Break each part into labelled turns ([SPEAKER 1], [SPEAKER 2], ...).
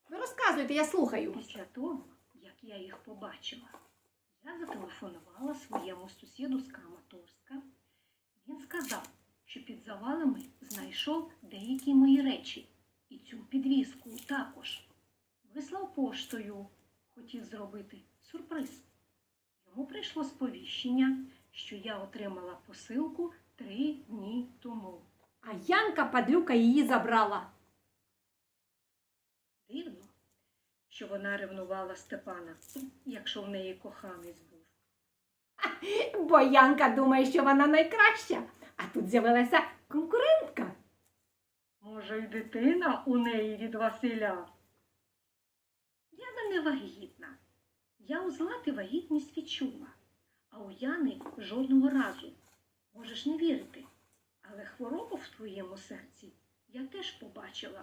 [SPEAKER 1] Ви розказуйте, я слухаю.
[SPEAKER 2] Після того, як я їх побачила, я зателефонувала своєму сусіду з Краматорська. Він сказав, що під завалами знайшов деякі мої речі і цю підвіску також. Вислав поштою, хотів зробити сюрприз. Йому прийшло сповіщення, що я отримала посилку 3 дні тому.
[SPEAKER 1] А Янка падлюка її забрала.
[SPEAKER 2] Дивно, що вона ревнувала Степана, якщо в неї коханець був.
[SPEAKER 1] Бо Янка думає, що вона найкраща, а тут з'явилася конкурентка.
[SPEAKER 2] Може, й дитина у неї від Василя? Яна не вагітна. Я у Злати вагітність відчула, а у Яни жодного разу. Можеш не вірити, але хворобу в твоєму серці я теж побачила.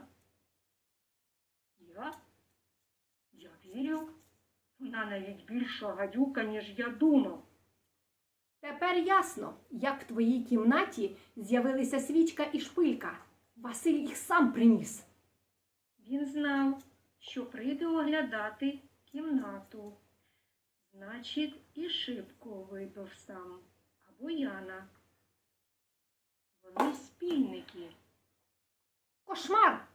[SPEAKER 2] Я вірю. Вона навіть більша гадюка, ніж я думав.
[SPEAKER 1] Тепер ясно, як в твоїй кімнаті з'явилися свічка і шпилька. Василь їх сам приніс.
[SPEAKER 2] Він знав, що прийде оглядати кімнату. Значить, і шибку вибив сам, або Яна. Вони спільники.
[SPEAKER 1] Кошмар!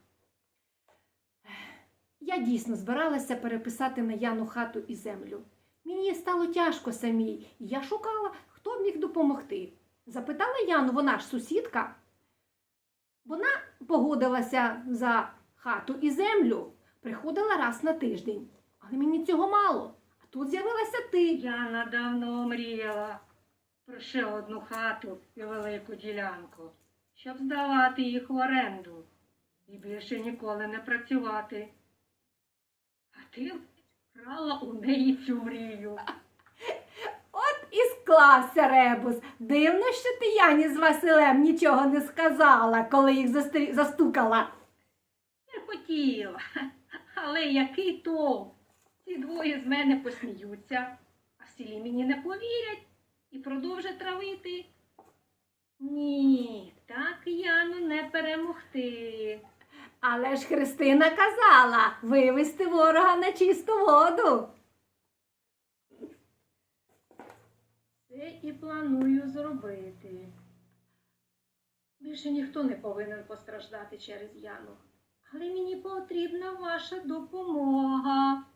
[SPEAKER 1] Я дійсно збиралася переписати на Яну хату і землю. Мені стало тяжко самій, і я шукала, хто б міг допомогти. Запитала Яну, вона ж сусідка. Вона погодилася за хату і землю, приходила раз на тиждень. Але мені цього мало. А тут з'явилася ти.
[SPEAKER 2] Яна давно мріяла про ще одну хату і велику ділянку, щоб здавати їх в оренду і більше ніколи не працювати. А ти вкрала у неї цю мрію.
[SPEAKER 1] От і склався ребус. Дивно, що ти Яні з Василем нічого не сказала, коли їх застукала.
[SPEAKER 2] Не хотіла, але який толк? Ці двоє з мене посміються, а в селі мені не повірять і продовжать травити. Ні, так Яну не перемогти.
[SPEAKER 1] Але ж Христина казала вивести ворога на чисту воду.
[SPEAKER 2] Це і планую зробити. Більше ніхто не повинен постраждати через Яну. Але мені потрібна ваша допомога.